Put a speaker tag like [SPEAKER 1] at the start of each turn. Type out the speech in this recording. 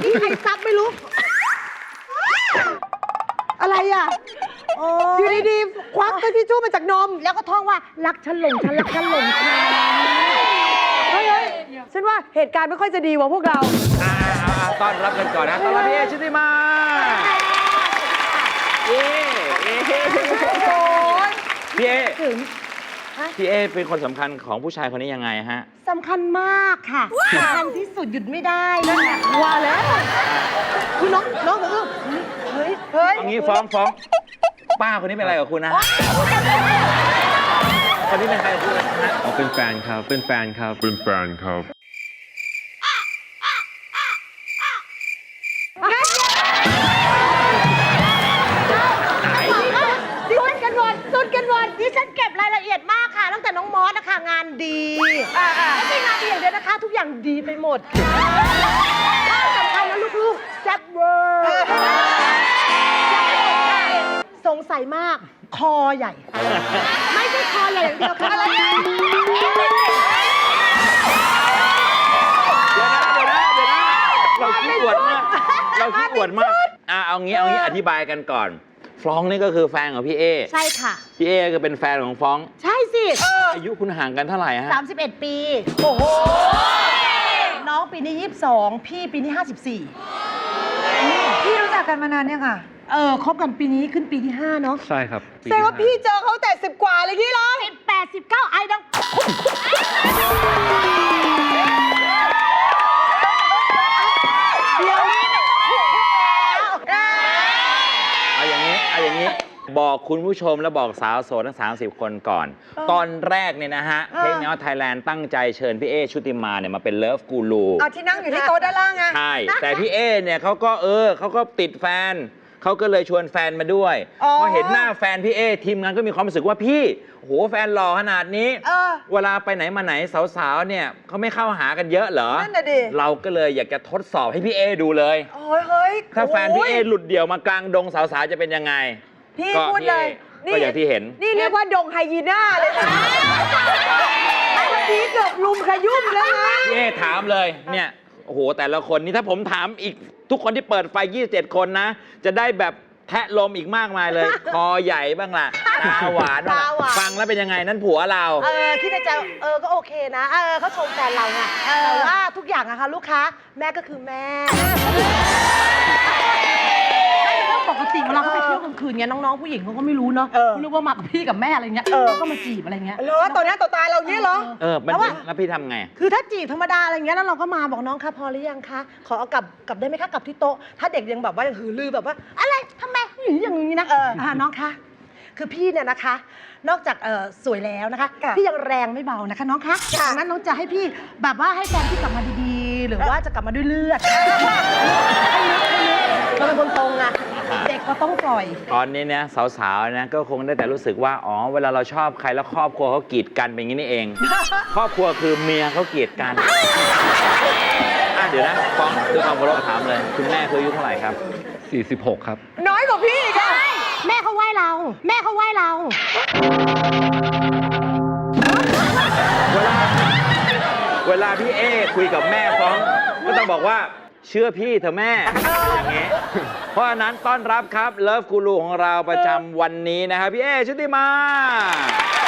[SPEAKER 1] กี้ใครซับไม่รู้ อะไรอ่ะอยู่ดีๆควักตัวทิชชู่มาจากนม แล้วก็ท่องว่ารักฉันหลงฉันรักฉันหลงฉันเฮ้ยฉันว่าเหตุการณ์ไม่ค่อยจะดีว่ะพวกเรา
[SPEAKER 2] ต้อนรับกันก่อนนะต้อนรับพี่เอชุติมาพี่เอพี่เอเป็นคนสำคัญของผู้ชายคนนี้ยังไงฮะ
[SPEAKER 1] สำคัญมากค่ะสำคัญที่สุดหยุดไม่ได้นั่นแหละว่าแล้วคือน้องเฮ้ย
[SPEAKER 2] เอางี้ฟ้องป้าคนนี้เป็นอะไรกับคุณนะคนนี้เป็นใครกับคุณนะ
[SPEAKER 3] เป็นแฟนครับเป็นแฟนครับเป็นแฟนครับ
[SPEAKER 1] สุดกันหมดดิฉันเก็บรายละเอียดมากค่ะตั้งแต่น้องมอสนะคะงานดีไม่ใช่งานดีอย่างเดียวนะคะทุกอย่างดีไปหมดข้อสำคัญนะลูกๆแซ่บเวอร์สงสัยมากคอใหญ่ไม่ใช่คอใหญ่อย่างเดียวค่ะอะไร
[SPEAKER 2] เดี๋ยวนะเราขี้อวดมากเอางี้อธิบายกันก่อนฟรองก์นี่ก็คือแฟนของพี่เอ
[SPEAKER 1] ใช่ค่ะ
[SPEAKER 2] พี่เอก็เป็นแฟนของฟรองก์
[SPEAKER 1] ใช่สิ
[SPEAKER 2] อายุคุณห่างกันเท่าไหร่ฮะ
[SPEAKER 1] 31 ปีโอ้โหน้องปีนี้22พี่ปีนี้54
[SPEAKER 4] พี่รู้จักกันมานานเนี่ยค่ะ
[SPEAKER 1] คบกันปีนี้ขึ้นปีที่5เนาะ
[SPEAKER 3] ใช่ครับ
[SPEAKER 4] แสดงว่าพี่เจอเขาแต่10 กว่าเลยพี่เหรอ
[SPEAKER 1] 18 19ไอ้ดัง
[SPEAKER 2] เอาอย่างนี้บอกคุณผู้ชมและบอกสาวโสดทั้ง30 คนก่อนตอนแรกเนี่ยนะฮะเพลงแนวไทยแลนด์ตั้งใจเชิญพี่เอชุติมาเนี่ยมาเป็นเลิฟกูรู
[SPEAKER 4] เอาที่นั่งอยู่ที่โต๊ะด้านล่างไง
[SPEAKER 2] ใช่แต่พี่เอเนี่ยเขาก็ติดแฟนเขาก็เลยชวนแฟนมาด้วยพอเห็นหน้าแฟนพี่เอทีมงานก็มีความรู้สึกว่าพี่โหแฟนหล่อขนาดนี้เวลาไปไหนมาไหนสาวๆเนี่ยเขาไม่เข้าหากันเยอะเหรอ
[SPEAKER 4] นั่นน่ะดิ
[SPEAKER 2] เราก็เลยอยากจะทดสอบให้พี่เอดูเลย
[SPEAKER 4] เฮ้ย
[SPEAKER 2] ถ้าแฟนพี่เอหลุดเดี่ยวมากลางดงสาวๆจะเป็นยังไง
[SPEAKER 4] พี่พูดเลย
[SPEAKER 2] ก็อย่างที่เห็น
[SPEAKER 4] นี่เรียกว่าดงไฮยีน่าเลยนะเมื่อกี้เกือบลุมขยุ่มแล้วนะ
[SPEAKER 2] พี่เอถามเลยเนี่ยโอ้โหแต่ละคนนี่ถ้าผมถามอีกทุกคนที่เปิดไฟ27 คนนะจะได้แบบแทะลมอีกมากมายเลย คอใหญ่บ้างล่ะตาหวานบ้างฟังแล้วเป็นยังไงนั่นผัวเรา
[SPEAKER 1] คิดในใจก็โอเคนะเขาชมแฟนเราไงแต่ว่าทุกอย่างอะค่ะลูกค้าแม่ก็คือแม่ปกติเวลาเขาไปเที่ยวกลางคืนเงี้ยน้องๆผู้หญิงเขาก็ไม่รู้เนาะไม่รู้ว่ามากับพี่กับแม่อะไรเงี้ยเขาก็มาจีบอะไรเงี้ย
[SPEAKER 4] ต่อหน้าต่อตาเราเนี้ยเหรอ
[SPEAKER 2] แล้วพี่ทำไง
[SPEAKER 1] คือถ้าจีบธรรมดาอะไรเงี้ยแล้วเราก็มาบอกน้องคะพอหรือยังคะขอเอากลับได้ไหมคะกลับที่โต๊ะถ้าเด็กยังแบบว่ายังหือลือแบบว่าอะไรทำไมอย่างนี้นะน้องคะคือพี่เนี่ยนะคะนอกจากสวยแล้วนะคะพี่ยังแรงไม่เบานะคะน้องคะดังนั้นน้องจะให้พี่แบบว่าให้แฟนพี่กลับมาดีๆหรือว่าจะกลับมาด้วยเลือดเราเป็นคนตรงอะเด็กก็ต้องปล่อย
[SPEAKER 2] ตอนนี้เนี่ยสาวๆนะก็คงได้แต่รู้สึกว่าอ๋อเวลาเราชอบใครแล้วครอบครัวเขากีดกันเป็นอย่างนี้นี่เองครอบครัวคือเมียเขากีดกันเดี๋ยวนะฟ้องคือความเคารพถามเลยคุณแม่คืออายุเท่าไหร่ครับ
[SPEAKER 3] 46ครับ
[SPEAKER 4] น้อยกว่าพี่อีกอะ
[SPEAKER 1] แม่เขาไหว้เรา
[SPEAKER 2] เวลาพี่เอคุยกับแม่ฟ้องก็ต้องบอกว่าเชื่อพี่เถอะแม่อย่างเงี้ยเพราะฉะนั้นต้อนรับครับเลิฟกูรูของเราประจำวันนี้นะครับพี่เอชุติมา